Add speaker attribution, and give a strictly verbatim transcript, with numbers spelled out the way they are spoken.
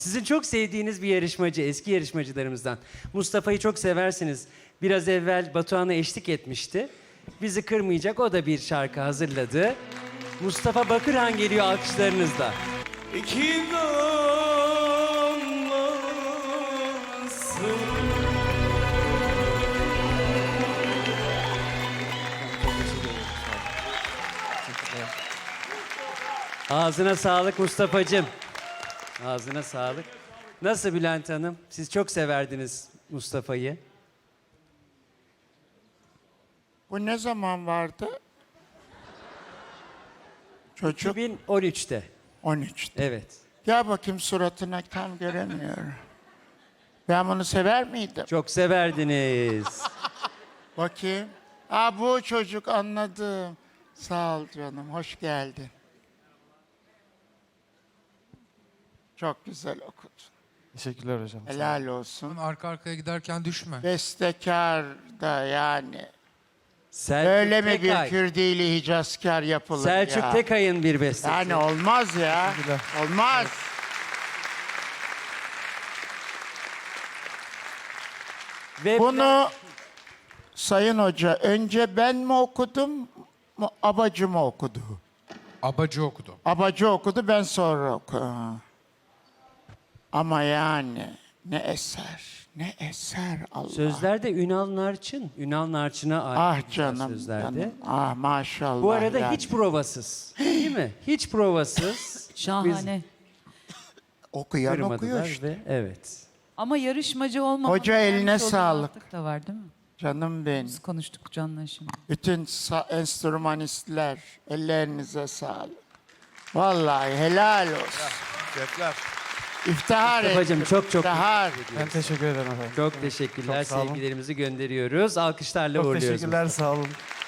Speaker 1: Sizin çok sevdiğiniz bir yarışmacı, eski yarışmacılarımızdan. Mustafa'yı çok seversiniz. Biraz evvel Batuhan'a eşlik etmişti. Bizi kırmayacak, o da bir şarkı hazırladı. Mustafa Bakırhan geliyor alkışlarınızla.
Speaker 2: İki damlasın.
Speaker 1: Ağzına sağlık Mustafa'cığım. Ağzına sağlık. Nasıl Bülent Hanım? Siz çok severdiniz Mustafa'yı.
Speaker 3: Bu ne zaman vardı? Çocuk
Speaker 1: iki bin on üçte.
Speaker 3: on üçte.
Speaker 1: Evet.
Speaker 3: Gel bakayım suratına, tam göremiyorum. Ben bunu sever miydim?
Speaker 1: Çok severdiniz.
Speaker 3: Bakayım. Aa, bu çocuk, anladım. Sağ ol canım, hoş geldin. Çok güzel okudun.
Speaker 4: Teşekkürler hocam.
Speaker 3: Helal olsun.
Speaker 5: Arka arkaya giderken düşme.
Speaker 3: Bestekar da yani.
Speaker 1: Selçuk
Speaker 3: Öyle mi bir
Speaker 1: Tekay.
Speaker 3: Kürdili Hicazkar yapılır
Speaker 1: Selçuk
Speaker 3: ya?
Speaker 1: Tekay'ın bir bestesi.
Speaker 3: Yani olmaz ya. Olmaz.
Speaker 1: Ve
Speaker 3: Bunu Sayın Hoca, önce ben mi okudum, mu- abacı mı okudu?
Speaker 5: Abacı okudu.
Speaker 3: Abacı okudu, ben sonra okudum. Ama yani ne eser, ne eser Allah.
Speaker 1: sözlerde Ünal Narçın. Ünal Narçın'a ait
Speaker 3: Ah
Speaker 1: güzel
Speaker 3: canım,
Speaker 1: sözlerde.
Speaker 3: canım. Ah maşallah.
Speaker 1: Bu arada
Speaker 3: yani.
Speaker 1: hiç provasız. Değil mi? Hiç provasız.
Speaker 6: Şahane.
Speaker 3: Okuyan
Speaker 1: Kırmadılar
Speaker 3: okuyor işte.
Speaker 1: ve evet.
Speaker 6: Ama yarışmacı olmamak.
Speaker 3: Hoca eline sağlık.
Speaker 6: da var değil mi?
Speaker 3: Canım benim.
Speaker 6: Biz konuştuk Can'la şimdi.
Speaker 3: Bütün sa- enstrümanistler, ellerinize sağlık. Vallahi helal olsun.
Speaker 4: Teşekkürler.
Speaker 3: İftihar
Speaker 1: Mustafa'cığım
Speaker 3: ettim.
Speaker 1: çok çok
Speaker 3: İftihar.
Speaker 4: Ben teşekkür ederim efendim.
Speaker 1: çok teşekkürler.
Speaker 4: Çok sağ olun.
Speaker 1: Sevgilerimizi gönderiyoruz. Alkışlarla
Speaker 4: Çok
Speaker 1: uğurluyoruz.
Speaker 4: teşekkürler, sağ olun.